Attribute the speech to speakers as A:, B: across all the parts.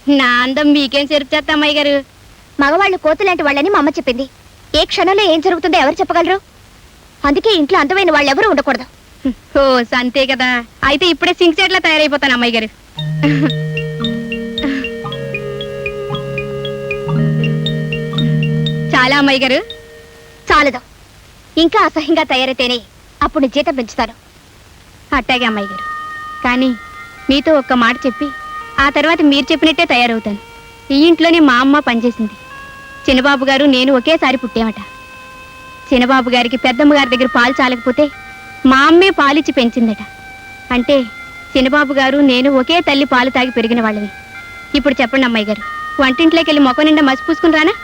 A: నా అందం మీకేం చెరుపు చేస్తా అమ్మాయి గారు.
B: మగవాళ్ళు కోతులాంటి వాళ్ళని మా అమ్మ చెప్పింది. ఏ క్షణంలో ఏం జరుగుతుందో ఎవరు చెప్పగలరు? అందుకే ఇంట్లో అందమైన వాళ్ళు ఎవరు ఉండకూడదు.
A: ఓ అంతే కదా. అయితే ఇప్పుడే సింక్ సెట్లా తయారైపోతాను అమ్మాయి గారు. చాలా అమ్మాయి గారు.
B: చాలదు, ఇంకా అసహ్యంగా తయారైతేనే అప్పుడు జీతం పెంచుతాను.
A: అట్టాగే అమ్మాయి గారు. కానీ మీతో ఒక్క మాట చెప్పి ఆ తర్వాత మీరు చెప్పినట్టే తయారవుతాను. ఈ ఇంట్లోనే మా అమ్మ పనిచేసింది. చిన్నబాబు గారు నేను ఒకేసారి పుట్టామట. చిన్నబాబు గారికి పెద్దమ్మ గారి దగ్గర పాలు చాలకపోతే మా అమ్మే పాలిచ్చి పెంచిందట. అంటే చిన్నబాబు గారు నేను ఒకే తల్లి పాలు తాగి పెరిగిన వాళ్ళవి. ఇప్పుడు చెప్పండి అమ్మాయి గారు, వంటింట్లోకి వెళ్ళి మొక్క నిండా మసి పూసుకుని రానా?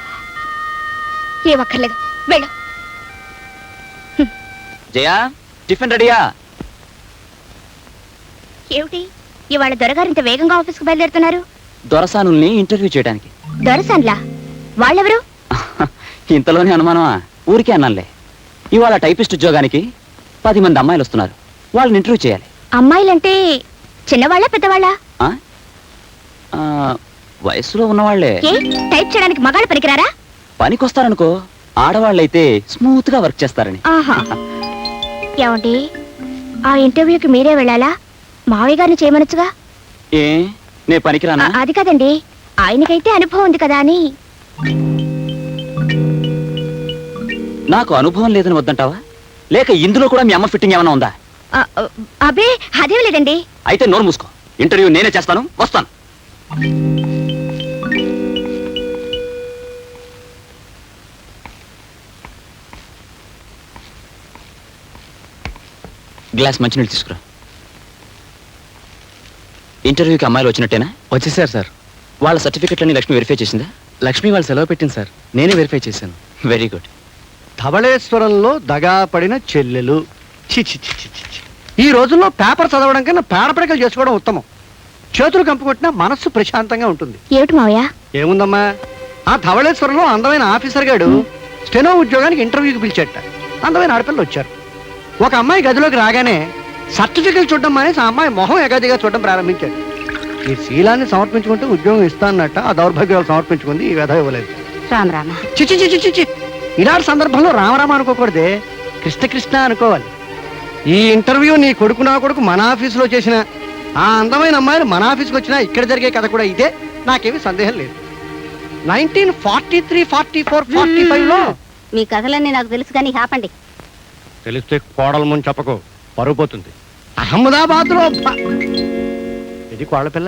B: ఏ ఒక్కర్లేదు, వెళ్ళు.
C: జయా, టిఫిన్ రెడీయా?
B: ఏమిటి ఇవాళ దొరగారు ఇంత వేగంగా ఆఫీస్కి బయలుదేరుతున్నారు?
C: దొరసానుల్ని ఇంటర్వ్యూ చేయడానికి.
B: దొరసాన్లా? వాళ్ళెవరు?
C: ఇంతలోనే అనుమానమా? ఊరికే అన్నానులే. ఇవాళ టైపిస్ట్ ఉద్యోగానికి 10 మంది అమ్మాయిలు వస్తున్నారు. వాళ్ళని ఇంటర్వ్యూ చేయాలి.
B: అమ్మాయిలంటే చిన్నవాళ్ళ పెద్దవాళ్ళ?
C: వయసులో ఉన్నవాళ్లే.
B: టైప్ చేయడానికి మగాళ్ళు పనికిరారా?
C: పనికొస్తారనుకో, ఆడవాళ్ళైతే స్మూత్ గా వర్క్ చేస్తారని.
B: ఏమండి, ఆ ఇంటర్వ్యూకి మీరే వెళ్ళాలా? మావయ్య గారిని చేయమనొచ్చుగా.
C: ఏ నే పనికిరానా?
B: అది కాదండి, ఆయనకైతే అనుభవం ఉంది కదా అని.
C: నాకు అనుభవం లేదని వద్దంటావా? లేక ఇందులో కూడా మీ అమ్మ ఫిట్టింగ్ ఏమైనా ఉందా?
B: అబే అదేం లేదండి.
C: అయితే నోరు మూసుకో. ఇంటర్వ్యూ నేనే చేస్తాను, వస్తాను. గ్లాస్ మంచినీళ్ళు తీసుకురా. ఇంటర్వ్యూకి అమ్మాయిలు వచ్చినట్టేనా?
D: వచ్చేసారు సార్.
C: వాళ్ళ సర్టిఫికెట్లన్నీ లక్ష్మి వెరిఫై చేసిందా?
D: లక్ష్మి వాళ్ళు సెలవు పెట్టింది సార్, నేనే వెరిఫై చేశాను.
C: Very good.
E: ధవళేశ్వరంలో దగా పడిన చెల్లెలు. చి చి చి చి చి. ఈ రోజుల్లో పేపర్ చదవడం కన్నా పేడపడకలు చేసుకోవడం ఉత్తమం. చేతులు కంపుకొట్టినా మనస్సు ప్రశాంతంగా ఉంటుంది.
B: ఏమిటి మావయ్య?
E: ఏముందమ్మా, ఆ ధవళేశ్వరంలో అందమైన ఆఫీసర్ గాడు స్టెనో ఉద్యోగానికి ఇంటర్వ్యూకి పిలిచేట. అందమైన ఆడపిల్లలు వచ్చారు. ఒక అమ్మాయి గదిలోకి రాగానే సర్టిఫికెట్ చూడడం మానేసి ఆ అమ్మాయి మొహం ఎగాదిగా చూడడం ప్రారంభించాడు. ఈ శీలాన్ని సమర్పించుకుంటే ఉద్యోగం ఇస్తానన్నట్ట ఆ దౌర్భాగ్యాలు సమర్పించుకుంది. ఈ వ్యధ ఇవ్వలేదు.
B: రామరామ.
E: చిచి చిచి చిచి. ఇలాంటి సందర్భంలో రామరామ అనుకోకూడదే, కృష్ణ కృష్ణ అనుకోవాలి. ఈ ఇంటర్వ్యూ నీ కొడుకు నా కొడుకు మన ఆఫీసులో చేసిన ఆ అందమైన అమ్మాయిలు మన ఆఫీస్కి వచ్చినా ఇక్కడ జరిగే కథ కూడా ఇదే. నాకేమీ సందేహం లేదు. 1943, 44, 45లో
B: మీ కథలన్నీ నాకు తెలుసు కానీ ఆపండి.
E: తెలిస్తే కోడలు ముందు చెప్పకు, పరుగు పోతుంది. అహ్మదాబాద్ లో ఇది కోడల పిల్ల.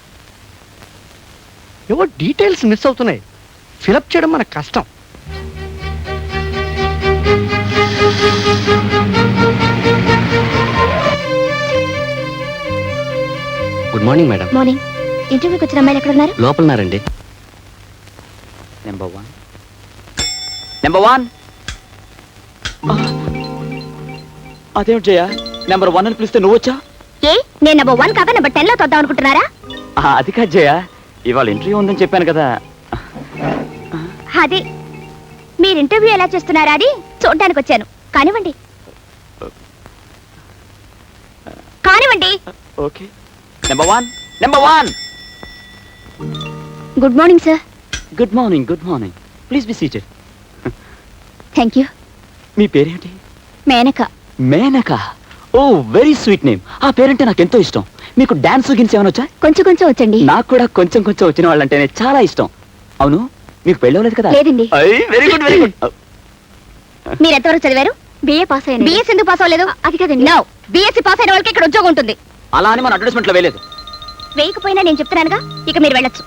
E: ఏవో డీటెయిల్స్ మిస్ అవుతున్నాయి. ఫిలప్ చేయడం మనకు కష్టం.
D: Good morning madam.
B: మార్నింగ్. ఇంటర్వ్యూకి వచ్చిన అమ్మాయిలు ఎక్కడ ఉన్నారు?
D: లోపలన్నారండి.
C: నెంబర్ 1. నెంబర్ 1. అదేమిటి జయ, నెంబర్ 1 అని పిలిస్తే నువ్వు వచ్చా?
B: ఏ నేను నెంబర్ 1 కాక నెంబర్ 10 లో తొద్దాం అనుకుంటున్నారా?
C: అది కాదు జయ, ఇవాళ ఇంటర్వ్యూ ఉందని చెప్పాను కదా.
B: అదే మీరు ఇంటర్వ్యూ ఎలా చేస్తున్నారా అని చూడడానికి వచ్చాను. కానివ్వండి కానివ్వండి.
C: Okay. Number 1. Number 1.
B: Good morning sir.
C: Good morning. Good morning. Please be seated.
B: Thank you.
C: మీ పేరేంటి?
B: Menaka.
C: Menaka. Oh very sweet name. ఆ పేరంటే నాకు ఎంతో ఇష్టం. మీకు డాన్స్ గిన్స్ ఏమైనా వచ్చా?
B: కొంచెం కొంచెం వచ్చండి.
C: నాకు కూడా కొంచెం కొంచెం వచ్చిన వాళ్ళంటేనే చాలా ఇష్టం. అవును, మీకు పెళ్ళవలేదు కదా?
B: లేదండి.
C: Very good very good.
B: మీరు ఎంతవరకు చదివారు? బిఏ పాస్ అయ్యాను. బిఎస్ ఎందుకు పాస్ అవ్వలేదు? అది కదండి. నో, బిఎస్సి పాస్ అయిన వాళ్ళకి ఇక్కడ ఉద్యోగం ఉంటుంది.
C: అలా అని మన అడ్వర్టైజ్మెంట్ లో వేయలేదు.
B: వేయకపోయినా నేను చెప్తున్నానుగా, ఇక మీరు వెళ్ళొచ్చు.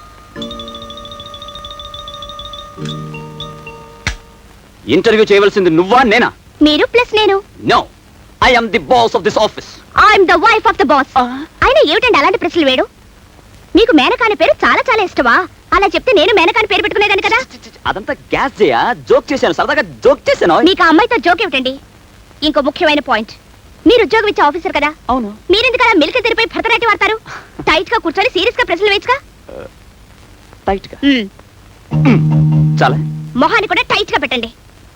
C: ఇంటర్వ్యూ చేయవలసింది నువ్వా నేనా?
B: మీరు ప్లస్ నేను.
C: No, I am the boss of this office.
B: I'm the wife of the boss. అయినా ఏమిటండి అలాంటి ప్రశ్నలు వేడు? మీకు మేనకాని పేరు చాలా చాలా ఇష్టమా? అలా చెప్తే నేను మేనకాని పేరు పెట్టుకునేదాన్ని కదా.
C: అదంతా గ్యాస్ చేయా, జోక్ చేశాను, సరదాగా జోక్ చేశాను.
B: మీకు ఆ అమ్మాయితో జోక్ ఏమిటండి? ఇంకో ముఖ్యమైన పాయింట్, మీరు ఉద్యోగం ఇచ్చే ఆఫీసర్ కదా.
C: అవును.
B: మీరెందుకు అలా మిల్క్ తెరిపై భరతనాట్యం వాడతారు? టైట్ గా కూర్చొని సీరియస్ గా ప్రశ్నలు వేయచ్చుగా.
C: టైట్ గా చాలా.
B: మొహాన్ని కూడా టైట్ గా పెట్టండి.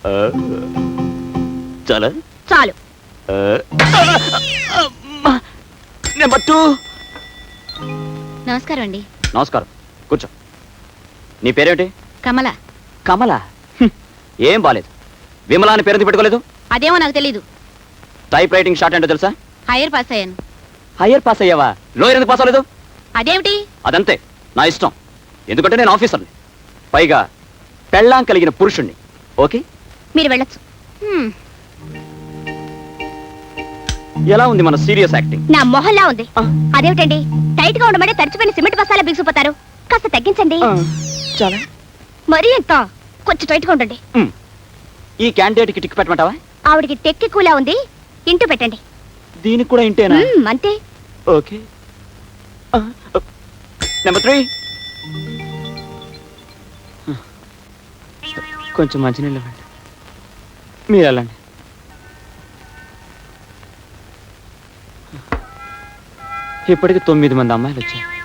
C: చాలా
B: చాలు.
C: నెంబర్ 2.
B: నమస్కారం అండి.
C: నమస్కారం, కూర్చో. నీ పేరేమిటి?
A: కమల.
C: కమల. ఏం బాలేదు. విమలా అని పేరు పెట్టుకోలేదు?
A: అదేమో నాకు తెలీదు.
C: టైప్ రైటింగ్ షార్ట్ ఏంటో తెలుసా?
A: హైయర్ పాస్ అయ్యాను.
C: హయ్యర్ పాస్ అయ్యావా? లోయర్ ఎందుకు పాస్ అవ్వలేదు?
A: అదేమిటి?
C: అదంతే, నా ఇష్టం. ఎందుకంటే నేను ఆఫీసర్ని, పైగా పెళ్ళాం కలిగిన పురుషుణ్ణి. ఓకే,
B: మీరు వెళ్ళొచ్చు.
C: ఎలా ఉంది మన సీరియస్ యాక్టింగ్?
B: నా మొహల్లా ఉంది. అదేమిటండి, టైట్ గా ఉండమని తడిచిపోయిన సిమెంట్ బస్తాలా బిగిసిపోతారు. కాస్త తగ్గించండి.
C: చాలా.
B: మరీ ఎంత? కొంచెం టైట్ గా ఉండండి.
C: ఈ క్యాండిడేట్కి టిక్ పెట్టమంటావా?
B: ఆవిడికి టెక్కి కూలా ఉంది, ఇంటూ పెట్టండి.
C: దీనికి కూడా ఇంటేనా?
B: అంతే.
C: ఓకే. నెంబర్ 3. కొంచెం మంచినీళ్ళు ఇవ్వండి. మీరు వెళ్ళండి. ఇప్పటికి 9 మంది అమ్మాయిలు వచ్చారు.